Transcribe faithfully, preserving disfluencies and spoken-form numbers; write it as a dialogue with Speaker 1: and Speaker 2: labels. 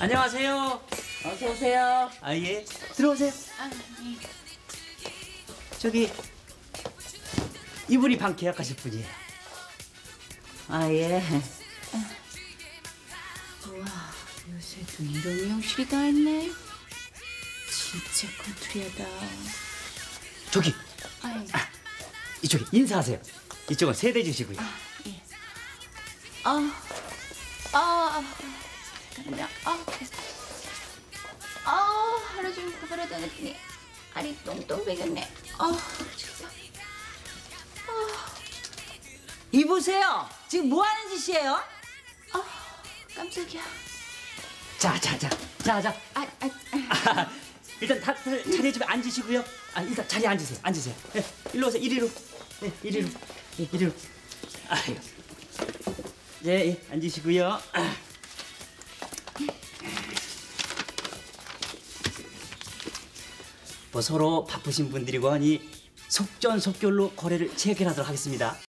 Speaker 1: 안녕하세요.
Speaker 2: 어서 오세요.
Speaker 1: 아, 예. 들어오세요.
Speaker 2: 아, 예.
Speaker 1: 저기 이분이 방 계약하실 분이에요.
Speaker 2: 아, 예. 우와, 요새 또 이런 미용실이 다 있네. 진짜 컨트리하다.
Speaker 1: 저기
Speaker 2: 아, 예.
Speaker 1: 아, 이쪽에 인사하세요. 이쪽은 세대 주시고요.
Speaker 2: 아, 예. 아, 아, 잠깐만요. 아, 아, 하루 종일 구부려 다녔더니 알이 똥똥 배겼네. 아, 진짜. 아,
Speaker 3: 이보세요. 지금 뭐 하는 짓이에요?
Speaker 2: 아, 깜짝이야.
Speaker 1: 자, 자, 자, 자, 자.
Speaker 2: 아, 아,
Speaker 1: 아, 일단 다들 자리에 좀 앉으시고요. 아, 일단 자리에 앉으세요. 앉으세요. 네, 일로 오세요. 이리로. 네, 이리로. 네, 이리로. 아유. 네, 예, 앉으시고요. 아. 뭐 서로 바쁘신 분들이고 하니 속전속결로 거래를 체결하도록 하겠습니다.